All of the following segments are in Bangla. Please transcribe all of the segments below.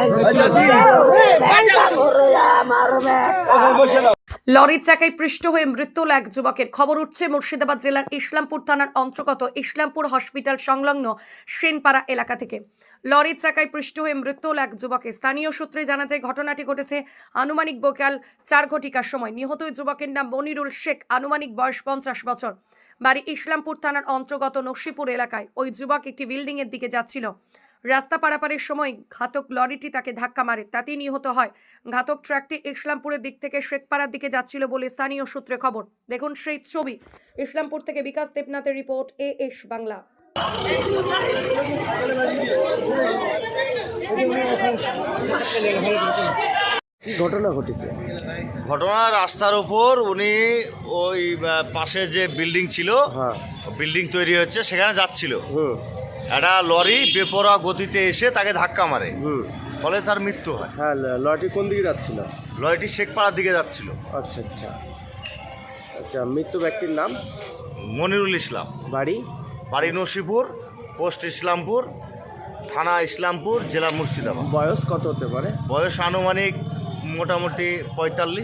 লরির চাকায় পৃষ্ঠ হয়ে মৃত্যু হল এক যুবকের। খবর উঠছে মুর্শিদাবাদ জেলার ইসলামপুর থানার অন্তর্গত ইসলামপুর হসপিটাল সংলগ্ন সেনপাড়া এলাকা থেকে। লরির চাকায় পৃষ্ঠ হয়ে মৃত্যু হল এক যুবকের। স্থানীয় সূত্রে জানা যায় ঘটনাটি ঘটেছে আনুমানিক বিকাল 4 ঘটিকার সময়। নিহত ওই যুবকের নাম মনিরুল শেখ, আনুমানিক বয়স 50 বছর, বাড়ি ইসলামপুর থানার অন্তর্গত নসিপুর এলাকায়। ওই যুবক একটি বিল্ডিং এর দিকে যাচ্ছিল। রাস্তা পারাপারের সময় ঘাতক লরিটি তাকে ধাক্কা মারে, তাতেই নিহত হয়। ঘাতক ট্রাকটি ইসলামপুরের দিক থেকে শেখপাড়ার দিকে যাচ্ছিল বলে স্থানীয় সূত্রে খবর। দেখুন সেই ছবি। ইসলামপুর থেকে বিকাশ দেবনাথের রিপোর্ট, AS বাংলা। কি ঘটনা ঘটেছে? ঘটনা রাস্তার উপর উনি ওই পাশে যে বিল্ডিং ছিল, বিল্ডিং তৈরি হচ্ছে, সেখানে যাচ্ছিল। একটা লরি বেপরোয়া গতিতে এসে তাকে ধাক্কা মারে, ফলে তার মৃত্যু হয়। হ্যাঁ, লরিটি কোন দিকে যাচ্ছিল? লরিটি শেখপাড়ার দিকে যাচ্ছিল। আচ্ছা আচ্ছা আচ্ছা। মৃত্যু ব্যক্তির নাম? মনিরুল ইসলাম। বাড়ি? বাড়ি নসিপুর, পোস্ট ইসলামপুর, থানা ইসলামপুর, জেলা মুর্শিদাবাদ। বয়স কত হতে পারে? বয়স আনুমানিক মোটামুটি 45।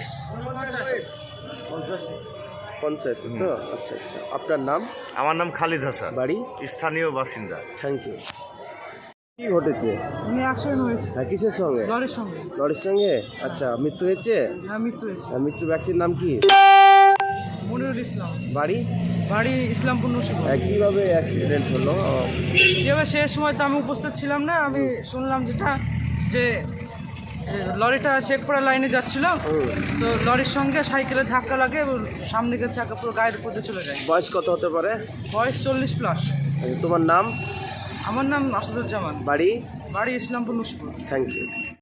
50 তো? আচ্ছা আচ্ছা। আপনার নাম? আমার নাম খালিদ হাসান, বাড়ি? স্থানীয় বাসিন্দা। Thank you. কি ঘটেছে? উনি অ্যাক্সিডেন্ট হয়েছে হ্যাঁ, কিসের সঙ্গে? লরির সঙ্গে। লরির সঙ্গে? আচ্ছা, মৃত্যু হয়েছে? হ্যাঁ, মৃত্যু হয়েছে। মৃত্যু ব্যক্তির নাম কি? মনিরুল ইসলাম। বাড়ি? বাড়ি ইসলামপুর নসিপুর। কিভাবে অ্যাক্সিডেন্ট হলো? এবার সে সময় তো আমি উপস্থিত ছিলাম না। আমি শুনলাম যেটা যে লরিটা শেখপাড়া লাইনে যাচ্ছিল, তো লরির সঙ্গে সাইকেলের ধাক্কা লাগে এবং সামনের চাকা পুরো গায়ের উপর দিয়ে চলে যায়। বয়স কত হতে পারে? বয়স 40+। আচ্ছা, তোমার নাম? আমার নাম আসাদুজ্জামান। বাড়ি? বাড়ি ইসলামপুর নসিপুর। Thank you.